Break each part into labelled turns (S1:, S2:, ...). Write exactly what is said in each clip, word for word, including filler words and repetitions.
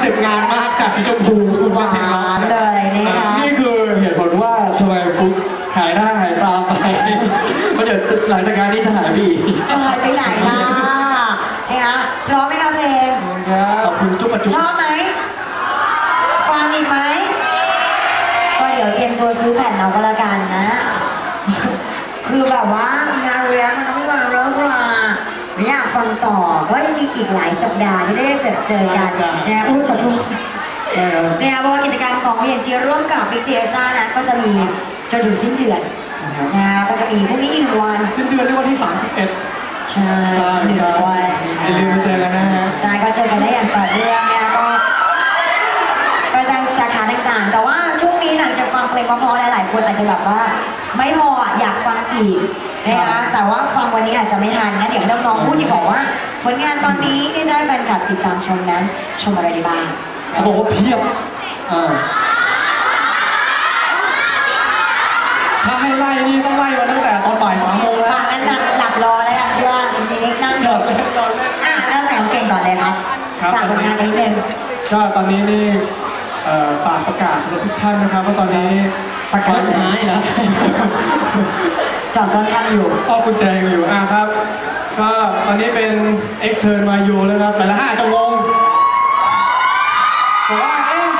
S1: เซ็ปต์งานมากจากสีชมพูคุณว่าเพลงร้อง
S2: เลยนะคะ
S3: นี่คือเหตุผลว่าทำไมฟุกหายหน้าหายตาไปเพราะเดี๋ยวหลังจากงานนี้จะหายไปอีก
S2: จะหายไปไหนล่ะนะคะพร้อมไหมครับเพลง
S1: ขอบคุณจุ๊บปัจจุ
S2: ชอบไหมฟังอีกไหมก็เดี๋ยวเตรียมตัวซื้อแผ่นเอาก็แล้วกันนะคือแบบว่างานเรียนมันไม่มาเริ่มมาไม่อยากฟังต่อก็ยังมีอีกหลายสัปดาห์ที่ได้เจอเจอกันนะพูดขอโทษเนี่ยเพราะว่ากิจกรรมของพี เอ็น จี ร่วมกับบิ๊กซีเอซ่านะก็จะมีจนถึงสิ้นเดือนนะก็จะมีพรุ่งนี้อีกหนึ่งวัน
S1: สิ้นเดือนในวันที่สามสิบเอ็ด
S2: ใช่หนึ่งวัน
S1: อย่าลืมมาเจอกันนะฮะ
S2: ใช่ก็เจอกันได้อย่างต่อเนื่องเนี่ยก็ไปตามสาขาต่างๆแต่ว่าช่วงนี้หลังจากฟังเพลงเพราะๆหลายๆคนอาจจะแบบว่าไม่พออยากฟังอีกนะคะแต่ว่าฟังวันนี้อาจจะไม่ทันงั้นเดี๋ยวน้องๆพูดดีบอกว่าผลงานตอนนี้ที่จะให้แฟนคลับติดตามชมนั้นชมอะไรบ้าง
S1: เขาบอกว่าเพียบถ้าให้ไล่นี่ต้องไล่มาตั้งแต่ตอนบ่ายสามโมงแล้ว
S2: งั้นหลับรอแล้วกันที่ว่าจริงๆนั่ง
S1: รอเล่นรอเล่น
S2: อ่ะแล้วแต่ของเก่งก่อนเลยครับฝากผลงานนิดนึง
S1: ก็ตอนนี้นี่ฝากประกาศสำหรับทุกท่านนะครับว่าตอนนี้
S2: ประกาศหายเหรอจอดซ้อนคันอยู่
S1: อ้อกุญแจอยู่อ่ะครับก็ตอนนี้เป็น extern มาอยู่แล้วครับแต่ละห้าจะงงบอกว่าเอ๊ะ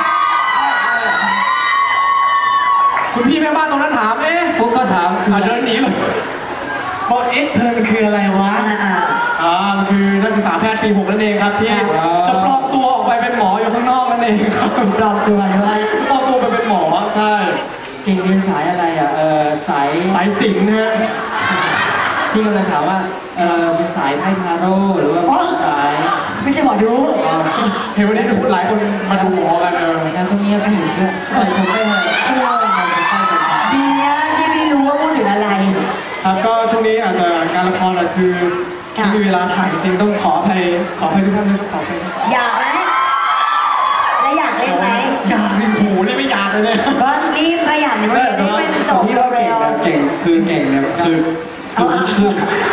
S1: คุณพี่แม่บ้านตรงนั้นถามเอ๊ะ
S3: ฟุกก็ถาม
S1: อ่ะเดินหนีเลยบอก extern มันคืออะไรวะอ่ามันคือนักศึกษาแพทย์ปีหกนั่นเองครับที่จะปลอมตัวออกไปเป็นหมออยู่ข้างนอกนั่นเองครับ
S2: ปลอมตัวด้วย
S1: ปลอมตัวไปเป็นหมอใช่
S3: เก่งเรียนสายอะไรอ่ะเออสาย
S1: สายศิลป์นะฮะ
S3: พี่กำลังถามว่าเออเป็นสายไพ่ทาโร่หรือว่าสาย
S2: ไม่ใช่หมอดู
S1: เห็นวันนี้หลายคนมาดูหมอกันเออ
S3: แล้วคนนี้ก็เห็นด้วยใส่ผมไม่ให้
S2: ดีนะที่พี่รู้ว่าพูดถึงอะไร
S1: ครับก็ช่วงนี้อาจจะงานละครอ่ะคือไม่มีเวลาถ่ายจริงต้องขออภัยขออภัยทุกท่านด้วยขออภัย
S2: อยากไหมแล้วอยากเล่นไหม
S1: อยากนี่โหนี่ไม่อยากเลยเนี่ย
S2: ก็รีบขยันเรียนให้มันจบเร็ว
S3: เก่งคือเก่งเนี่ยคือคือ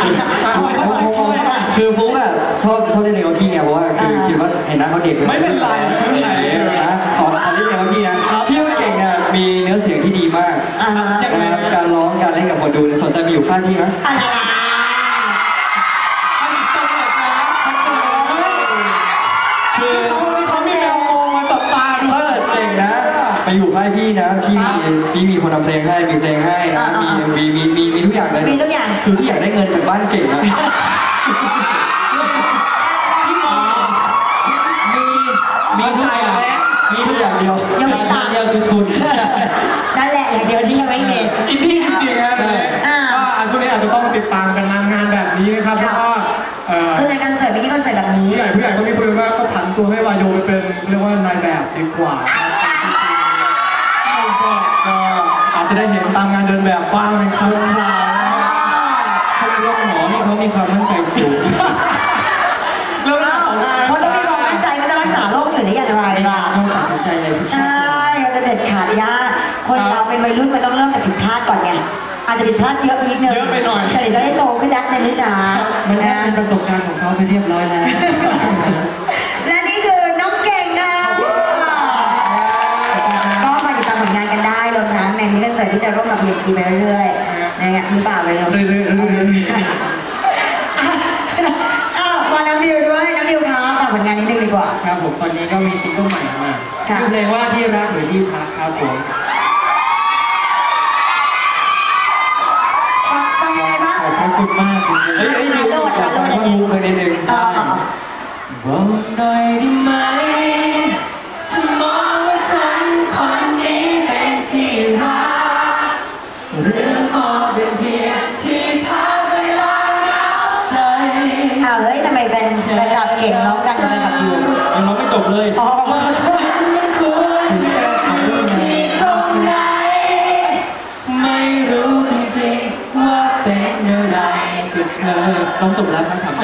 S3: คือฟุ๊กอ่ะชอบชอบเล่นในกับพี่ไงเพราะว่าคือคิดว่าเห็นหน้าเขาเด็ก
S1: ไม่เป็นไรไม่เป็นไร
S3: นะขอขอเล่นในกับพี่นะพี่ว่าเก่งเนี่ยมีเนื้อเสียงที่ดีมากนะครับการร้องการเล่นกับคนดูสนใจมาอยู่ข้างพี่ไหม
S1: คือเขามีแมวมองมาจับตา
S3: ถ้าเกิดเก่งนะไปอยู่ค่ายพี่นะพี่มีพี่มีคนทำเพลงให้มีเพลงให้นะมีมีมีมีมีทุกอย่างเลย
S2: มีทุกอย่าง
S3: คือพี่อยากได้เงินจากบ้านเก่งนะมีมีทุกอย่างมีทุกอย่างเดียว
S2: ยังไม่ตา
S3: เดียวคือทุน
S2: นั่นแหละอย่างเดียวที่ยังไม่เห็น
S1: อินดี้จริงๆนะก็ช่วงนี้อาจจะต้องติดตามกันงานแบบนี้นะครับแล้วก็
S2: คืองานคอนเสิร์ตเมื่อกี้คอนเสิร์ตแบบนี้
S1: ผู้ใหญ่ผู้ใหญ่เขามีคุยว่าเขาผันตัวให้วายโยไปเป็นเรียกว่านายแบบดีกว่าก็อาจจะได้เห็นตามงานเดินแบบบ้างในครั้งคราว
S3: คนเรียกหมอนี่เขามีความมั่นใจสูง
S1: เริ่มแล้ว
S2: เขาต้องมีความมั่นใจว่าจะรักษาโรคอื่นได้อย่างไรล่ะ
S3: ต้องตัดสินใจเลย
S2: ใช่เราจะเด็ดขาดยากคนเราเป็นวัยรุ่นมันต้องเริ่มจากผิดพลาดก่อนไงอาจจะผิดพลาดเยอะไปนิดนึง
S1: เยอะไปหน่อย
S2: แต่เดี๋ยวจะได้โตขึ้นแล้วในวิชา
S3: มันเป็นประสบการณ์ของเขาไปเรียบร้อยแล้ว
S2: และนี่คือน้องเก่งนะก็มาติดตามผลงานกันได้รวมทั้งในมินิคอนเสิร์ตที่จะร่วมกับ พี เอ็น จี ไปเรื่อยๆนะฮะมือเปล่าเลยเนาะ
S1: เรื่อยๆ
S2: อ้าวมาน้องดิวด้วยน้องดิวครับฝากผลงานนิดนึงดีกว่า
S3: ครับผมตอนนี้ก็มีซิงเกิลใหม่มาชื่อเพลงว่าที่รักหรือที่พักครับผม
S2: ฟังยังไงบ้าง
S3: ขอบคุณมากจริงๆเฮ้ยเฮ้ยดิวขอฟังท่อนฮุกเลยนิดนึงบอกหน่อยได้ไหมถ้ามองว่าฉันคนนี้เป็นที่รักหรือมองเป็นเพียงที่พักเวลาเหงาใจ
S2: อ้าวเฮ้ยทำไมแฟนแฟนคลับเก่งร้องดังแฟนคลับอยู่
S3: ยังร้องไม่จบเลย
S2: อ๋อ
S3: ฉันมันควรอยู่ที่ตรงไหนไม่รู้จริงๆว่าเป็นอะไรกับเธอร้องจบแล้วครับถาม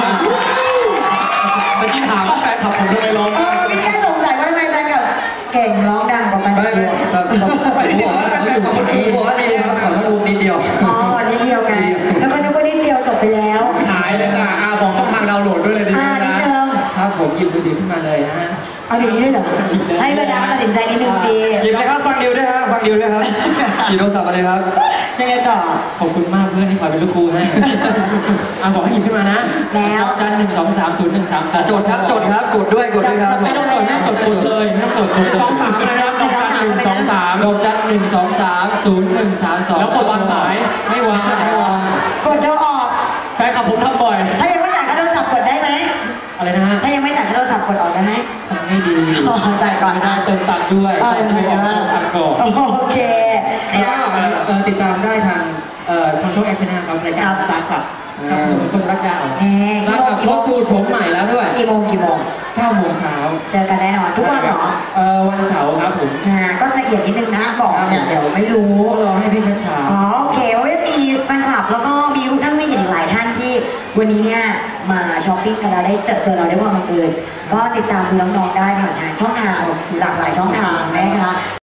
S1: เมื่อกี้ถามว่าแฟนคลับผมทำไมร้อง
S2: เออมีแค่สงสัยว่าทำไมแฟนคลับเก่งร้องดังกว่าแฟนคลับ
S3: แต่แต่แต่ผมบอกว่าผมบอกว่าดีครับขอมาดูนิดเดียว
S2: อ๋อนิดเดียวไงแล้วก็นึกว่านิดเดียวจบไปแล้ว
S1: หายเลยจ้ะอ่าบอกช่องทางดาวน์โหลดด้วยเลยดี
S2: อ่านิดเดิม
S3: ครับผมผมหยิบมือถือขึ้นมาเลยนะฮะ
S2: เอาอย่างนี้ด้วยเหรอให้บรรดาตัดสินใจนิดนึงสิ
S4: หยิบเลยครับฟังดิวด้วยครับฟังดิวด้วยครับหยิบโทรศัพท์มาเลยครับ
S2: ยังไงต่อ
S3: ขอบคุณมากเพื่อนที่คอยเป็นลูกครูให้อ่ะบอกให้หยิบขึ้นมานะ
S2: แล้ว
S3: จันหนึ่งสองสามศูนย์หนึ่งสามสาม
S4: จดครับจดครับกดด้วยกดด้วยครับ
S3: ไม่ต้องจดไม่ต้องจดกดเลยไม่ต้องจดกดเลย
S1: สองสามนะครับดอกจันหนึ่งสองสาม
S3: ดอกจันหนึ่งสองสามศูนย์หนึ่งสามสอง
S1: แล้วกดวางสาย
S3: ไม่วาง
S1: ไม่วาง
S2: กดโทรออก
S1: แฟนคลับผมทำบ่อย
S2: ถ้ายังไม่จ่ายค่าโทรศัพท์กดได้ไหม
S3: อะไรนะฮะ
S2: ถ้ายังไม่จ่ายค่าโทรศัพท์กดออกได้ไหม
S3: ทำไม่ดี
S2: อ๋อจ่ายก่อน
S3: ไม่ได้เติมตังค์ด้วย
S2: อ๋อ
S3: เติมตังค์ก่อนตังค์ก่อน
S2: โอเค
S3: แล้วก็เอ่อติดตามได้ทางเอ่อทางช่องแอคชั่นนะครับรายการสตาร์ทอัพครับผมคนรักยาว
S2: แหม
S3: สตาร์ทอัพรถทูโฉมใหม่แล้วด้วย
S2: กี่โมงกี่โมง
S3: เก้าโมงเช้า
S2: เจอกันแน่นอนทุกวันเหรอ
S3: เอ่อวันเสาร์ครับผม
S2: อ่าก็ละเอียดนิดนึงนะบอกเนี่ยเดี๋ยวไม่รู้
S3: รอให้พี่เพชรถาม
S2: อ๋อโอเคเพราะว่ามีแฟนคลับแล้วก็มีท่านไม่อีกหลายท่านที่วันนี้เนี่ยมาช้อปปิ้งกันแล้วได้เจอเจอเราได้ความบังเอิญก็ติดตามดูน้องๆได้ผ่านทางช่องทางหลากหลายช่องทางนะคะ